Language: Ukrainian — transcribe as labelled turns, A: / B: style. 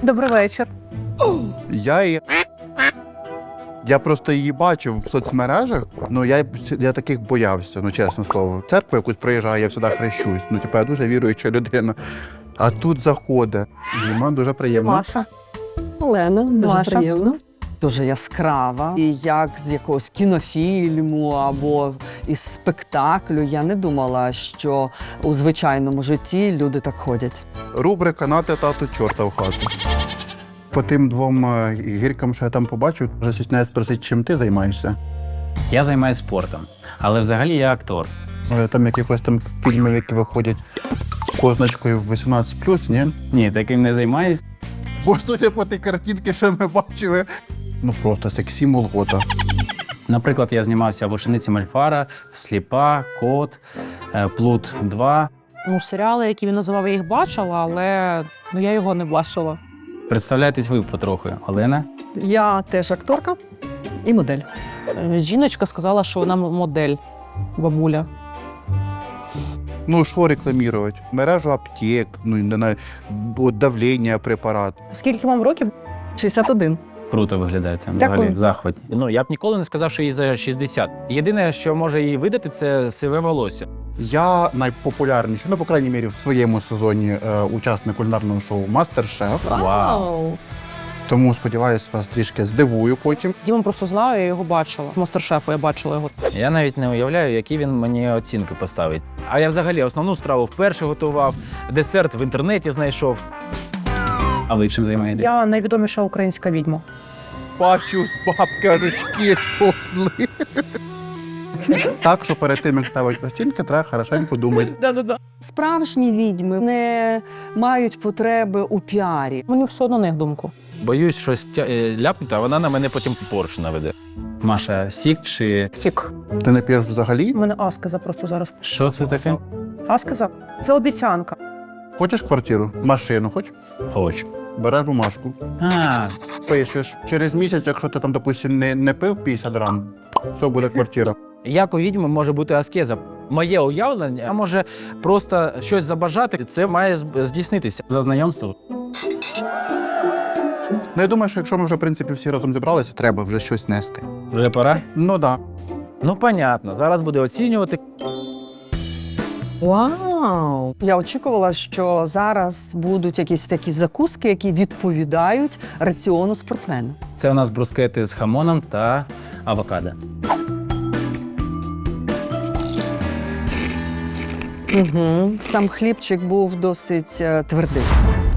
A: Добрий вечір.
B: Я просто її бачив в соцмережах, ну я таких боявся, ну чесне слово. Церкву якусь приїжджаю, я завжди хрещусь. Ну, типу, я дуже віруюча людина. А тут заходить. Діма, дуже приємно.
A: Маша.
C: Олена, дуже
A: Маша.
C: приємно. Дуже яскрава. І як з якогось кінофільму або із спектаклю. Я не думала, що у звичайному житті люди так ходять.
B: Рубрика «Нате тату чорта в хату». По тим двом гіркам, що я там побачив, вже стісняюсь спросити, чим ти займаєшся.
D: Я займаюся спортом, але взагалі я актор.
B: Там якихось там фільмів, які виходять з позначкою 18+, ні?
D: Ні, таким не займаюсь.
B: Бо судя по тій картинці, що ми бачили, ну просто сексі молота.
D: Наприклад, я знімався в «Учениці Мольфара», «Сліпа», «Кот», «Плут 2».
A: Ну, серіали, які він називав, я їх бачила, але я його не бачила.
D: Представляєтесь ви потроху, Олена?
C: Я теж акторка і модель.
A: Жіночка сказала, що вона модель, бабуля.
B: Ну, що рекламувати? Мережу аптек, ну, не знаю, давлення препарат.
A: Скільки вам років?
C: 61.
D: Круто виглядаєте,
C: Дякую.
D: взагалі в захваті. Ну, я б ніколи не сказав, що їй за 60. Єдине, що може її видати, це сиве волосся.
B: Я найпопулярніший, ну, по крайній мірі, в своєму сезоні учасник кулінарного шоу «Мастер-шеф».
D: Вау!
B: Тому, сподіваюся, вас трішки здивую потім.
A: Діму просто знаю, я його бачила. Мастер-шефу я бачила його.
D: Я навіть не уявляю, які він мені оцінки поставить. А я взагалі основну страву вперше готував, десерт в інтернеті знайшов. А ви чим займаєтесь?
A: Я найвідоміша українська відьма.
B: Бачу, з бабки язички сповзли. Так, що перед тим, як ставити оцінки, треба хорошенько думати.
A: Да-да-да.
C: Справжні відьми не мають потреби у піарі.
A: Мені все одно на їх думку.
D: Боюсь щось ляпнути, а вона на мене потім Порш наведе. Маша, сік чи...
A: Сік.
B: Ти не п'єш взагалі?
A: У мене аскеза просто зараз.
D: Що це таке?
A: Аскеза? Це обіцянка.
B: Хочеш квартиру? Машину хоч?
D: Хочу.
B: Береш бумажку.
D: А,
B: Пишеш. Через місяць, якщо ти там, допустим, не пив 50 грам, все, буде квартира.
D: як у відьми може бути аскеза? Моє уявлення, а може просто щось забажати, це має здійснитися. За знайомство.
B: Ну, я думаю, що якщо ми вже, в принципі, всі разом зібралися, треба вже щось нести.
D: Вже пора?
B: Ну, так.
D: Ну, понятно. Зараз буде оцінювати.
C: Вау! Я очікувала, що зараз будуть якісь такі закуски, які відповідають раціону спортсмена.
D: Це у нас брускети з хамоном та авокадо.
C: Угу. Сам хлібчик був досить твердий.